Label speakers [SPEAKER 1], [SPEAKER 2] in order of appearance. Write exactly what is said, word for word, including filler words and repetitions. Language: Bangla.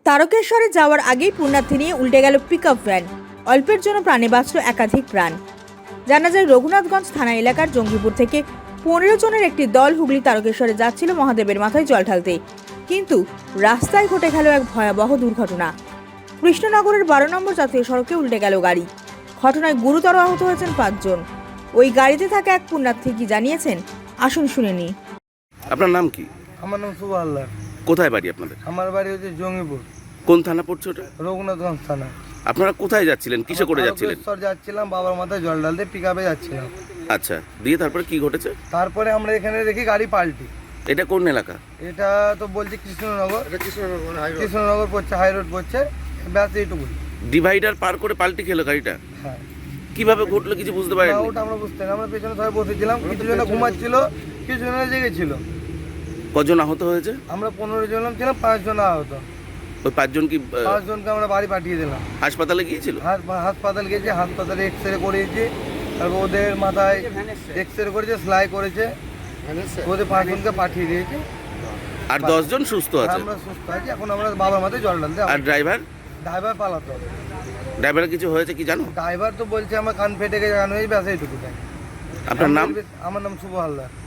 [SPEAKER 1] তারকেশ্বরে যাওয়ার আগেই পুণ্যার্থী নিয়ে উল্টে গেল পিকআপ ভ্যান। অল্পের জন্য প্রাণে বাঁচল একাধিক প্রাণ। জানা যায় রঘুনাথগঞ্জ থানা এলাকার জঙ্গিপুর থেকে পনেরো জনের একটি দল হুগলি তারকেশ্বরে যাচ্ছিল মহাদেবের মাথায় জল ঢালতে, কিন্তু রাস্তায় ঘটে গেল এক ভয়াবহ দুর্ঘটনা। কৃষ্ণনগরের বারো নম্বর জাতীয় সড়কে উল্টে গেল গাড়ি। ঘটনায় গুরুতর আহত হয়েছেন পাঁচজন। ওই গাড়িতে থাকা এক পুণ্যার্থী কি জানিয়েছেন, আসুন শুনে নিই।
[SPEAKER 2] আপনার নাম কি?
[SPEAKER 3] আমার নাম শুভ হালদার।
[SPEAKER 2] কোথায় বাড়ি আপনাদের?
[SPEAKER 3] আমার বাড়ি হচ্ছে জঙ্গিপুর,
[SPEAKER 2] কোন থানা পড়ছে ওটা?
[SPEAKER 3] রঘুনাথগঞ্জ থানা।
[SPEAKER 2] আপনারা কোথায় যাচ্ছিলেন, কিসে করে যাচ্ছিলেন?
[SPEAKER 3] তারকেশ্বর যাচ্ছিলাম, বাবার মাথায় জল ঢালতে পিক আপে যাচ্ছিলাম।
[SPEAKER 2] আচ্ছা, দিয়ে তারপরে কি ঘটেছে?
[SPEAKER 3] তারপরে আমরা এখানে দেখি গাড়ি পাল্টি।
[SPEAKER 2] এটা কোন এলাকা?
[SPEAKER 3] এটা তো বলছি কৃষ্ণনগর, কৃষ্ণনগর পড়ছে, হাই রোড পড়ছে, ব্যাস এইটুকুই।
[SPEAKER 2] ডিভাইডার পার করে পাল্টি খেলো গাড়িটা।
[SPEAKER 3] হ্যাঁ,
[SPEAKER 2] কিভাবে ঘটলো কিছু বুঝতে পারেন?
[SPEAKER 3] না, ওটা আমরা বুঝতে না, আমরা পেছনে সবাই বসেছিলাম, কিছু জন ঘুমাচ্ছিল, কিছু জন জেগেছিল।
[SPEAKER 2] কজন আহত হয়েছে?
[SPEAKER 3] আমরা পনেরো জন ছিলাম, পাঁচজন আহত।
[SPEAKER 2] ওই পাঁচজন কি আহ,
[SPEAKER 3] পাঁচজনকে আমরা বাড়ি পাঠিয়ে দিলাম।
[SPEAKER 2] হাসপাতালে গিয়েছিল?
[SPEAKER 3] হাস- হাসপাতাল গেছে, হাসপাতালে এক্স রে করিয়েছি, তারপর ওদের মাথায় এক্স রে করেছে, সেলাই করেছে, ওদের পাঁচজনকে পাঠিয়ে দিয়েছে।
[SPEAKER 2] আর দশজন সুস্থ আছে।
[SPEAKER 3] আমরা সুস্থ আছি, এখন আমরা বাবার মাথায় জল ঢালতে।
[SPEAKER 2] আর ড্রাইভার?
[SPEAKER 3] ড্রাইভার পালাতো।
[SPEAKER 2] ড্রাইভারের কিছু হয়েছে কি জানো?
[SPEAKER 3] ড্রাইভার তো বলছে আমার কান ফেটে গেছে, কান হয়ে ব্যাস এইটুকু।
[SPEAKER 2] আপনার নাম?
[SPEAKER 3] আমার নাম শুভ হালদার।